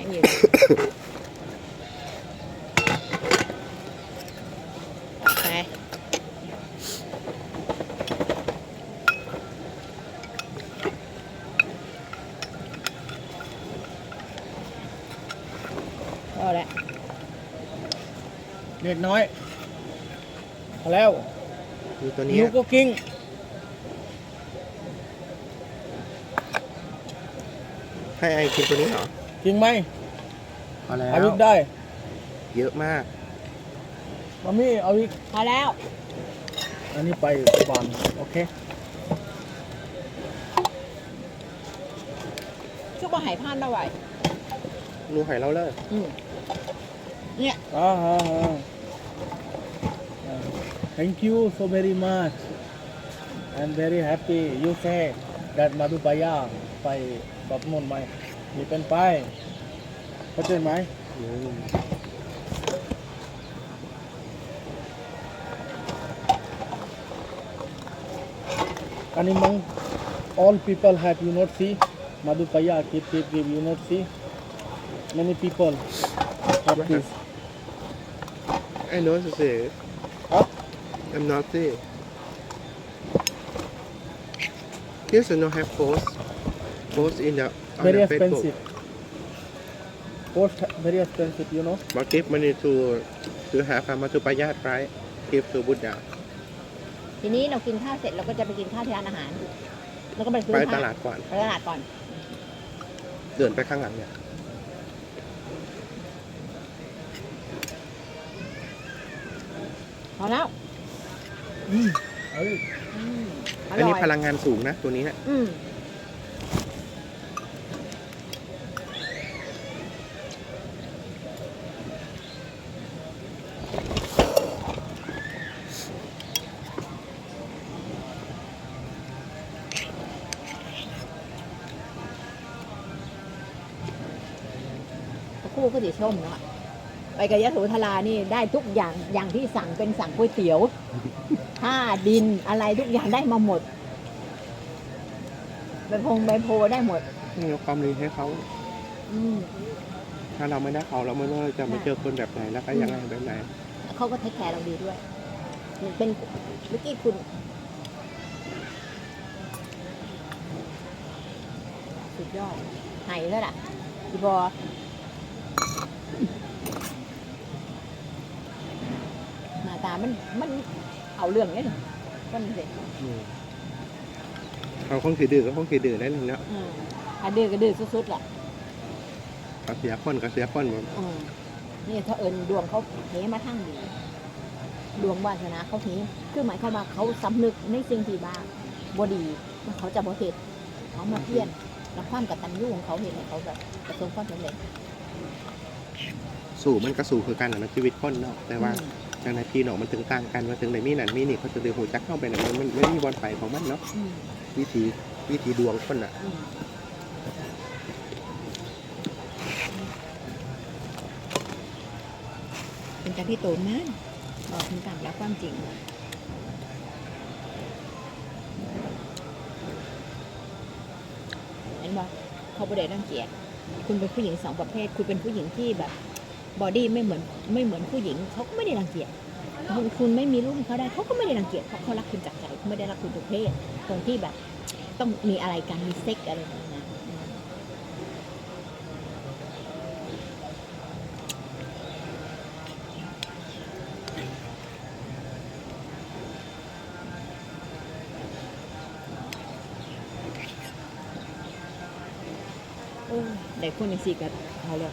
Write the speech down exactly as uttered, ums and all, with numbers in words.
อย่างนี้ไปเอาละเด็กน้อยพอแล้วดูตัวนี้ยูก็กิ้งให้ไอกินตัวนี้เหรอจริงไหมพอแล้เอาวอีกได้เยอะมากมามี่เอาอีกพอแล้วอันนี้ไปก่อนโอเคชุบมาหายพลาดได้ไหวหนูหอยเราเลยอืมเนี่ยอ่าฮะ thank you so very much I'm very happy you say that Madhupaya ไปกับนนท์ไหมมีเป็นไปเข้าใจไหมอืมอันนี้มัง all people have you not see Madhupaya keep keep give you not see many people have this I know to say Huh? I'm not say Here's no have post post in the on very the Facebook expensive cost very expensive you know but give money to to have a Madhupaya right give to Buddha ทีนี้เรากินข้าวเสร็จเราก็จะไปกินข้าวที่ร้านอาหาร แล้วก็ไปซื้อไปผ้ตลาดก่อนไปตลาดก่อนเดินไปข้างหลังเนี่ยพอแล้วอืมเอ้ยอืมออันร่นี้อยพลังงานสูงนะตัวนี้นะอืม คู่ก็สีส้มเนาะไปกับยะโสธรานี่ได้ทุกอย่างอย่างที่สั่งเป็นสั่งก๋วยเตี๋ยวผ้าดินอะไรทุกอย่างได้มาหมดใบพงใบโพได้หมดนี่เอาความดีให้เขาอืมถ้าเราไม่ได้เขาเราไม่รู้เราจะมาเจอคนแบบไหนแล้วก็ยังไงแบบไหนเขาก็เทคแคร์เราดีด้วยเป็นเมื่อกี้คุณสุดยอดไหายแล้วล่ะพี่บอหน้าตามันมันเอาเรื่องเนี่ยคนเด็กอืมเขาคงถือดื้อก็คงถือดื้อได้เลยเนาะอืมถ้าดื้อก็ดื้อสุดๆแหละก็เสียคนก็เสียคนหมดอืมนี่ถ้าเอิญดวงเขาเทมาทั้งดีดวงวาสนาเขาเทคือหมายความว่าเขาสำนึกในสิ่งที่บ้าบดีว่าเขาจะบ่เหตุเขามาเพี้ยนแล้วความกตัญญูของเขาเห็นให้เขาแบบประสบความสำเร็จสู่มันก็สู่คือกันนะชีวิตคนเนาะแต่ว่าอืมทางในพี่น้องมันถึงต่างกันว่าถึงในมีนั่นมีนี่เขาจะเดือหูจักเข้าไปเนี่ยมันไม่มีบอลไปของมันเนาะอืมวิธีวิธีดวงคนอ่ะอืมเป็นการที่โตนั้นบอกถึงการรับความจริงเห็นบ่เขาประเด็นรังเกียจคุณเป็นผู้หญิงสองประเภท คุณเป็นผู้หญิงที่แบบบอดี้ไม่เหมือนไม่เหมือนผู้หญิงเขาก็ไม่ได้รังเกียจคุณคุณไม่มีลูกให้เขาได้เขาก็ไม่ได้รังเกียจเพราะเขารักคุณจากใจเขาไม่ได้รักคุณทุกเพศตรงที่แบบ ต้องมีอะไรกันมีเซ็กอะไรแบบนี้นะอืมโอ้ได้คนในสี่กับเขาเลย